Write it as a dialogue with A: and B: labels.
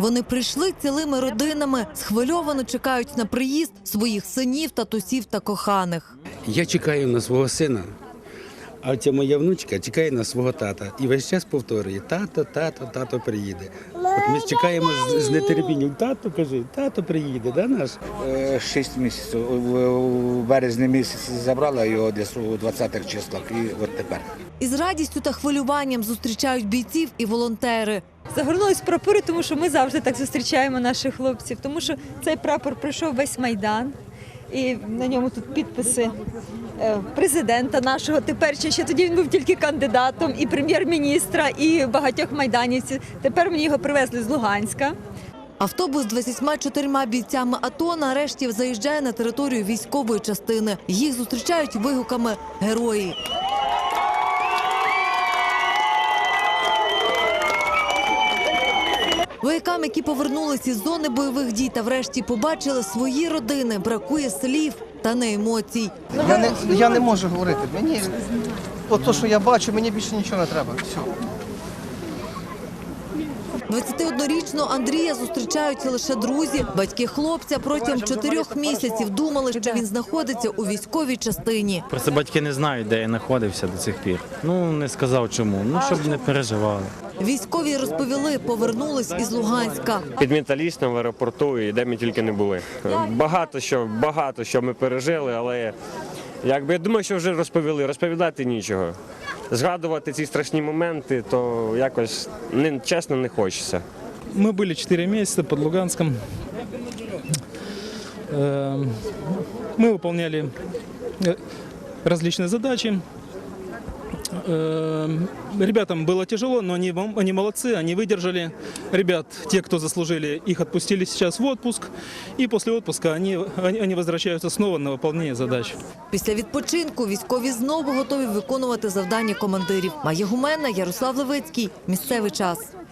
A: Вони прийшли цілими родинами, схвильовано чекають на приїзд своїх синів, татусів та коханих.
B: Я чекаю на свого сина, а ця моя внучка чекає на свого тата. І весь час повторює: тато, тато, тато приїде. От ми чекаємо з нетерпінням. Тато, кажи, тато приїде, да, наш?
C: 6 місяців. У березні місяці забрала його десь у 20-х числах і от тепер.
A: Із радістю та хвилюванням зустрічають бійців і волонтери.
D: Загорнулись прапори, тому що ми завжди так зустрічаємо наших хлопців, тому що цей прапор пройшов весь Майдан, і на ньому тут підписи президента нашого, тепер ще тоді він був тільки кандидатом, і прем'єр-міністра, і багатьох майданівців. Тепер мені його привезли з Луганська.
A: Автобус з 24 бійцями АТО нарешті заїжджає на територію військової частини. Їх зустрічають вигуками «Герої». Воякам, які повернулись із зони бойових дій та врешті побачили свої родини, бракує слів та не емоцій.
E: Я не можу говорити. Мені от те, що я бачу, мені більше нічого не треба. Все.
A: 21-річного Андрія зустрічають лише друзі. Батьки хлопця протягом 4 місяців думали, що він знаходиться у військовій частині.
F: Просто батьки не знають, де я знаходився до цих пір. Не сказав чому, щоб не переживали.
A: Військові розповіли, повернулись із Луганська.
G: Під Металістом, в аеропорту і де ми тільки не були. Багато що ми пережили, але я думаю, що вже розповідати нічого. Згадувати ці страшні моменти, то якось чесно не хочеться.
H: Мы были 4 месяца под Луганском. Мы выполняли различные задачи. Ребятам было тяжело, но они молодцы, они выдержали. Ребят, те, кто заслужили, их отпустили сейчас в отпуск. И после отпуска они возвращаются снова на выполнение задач.
A: Після відпочинку військові знову готові виконувати завдання командирів. Майя Гумена, Ярослав Левицький. Місцевий час.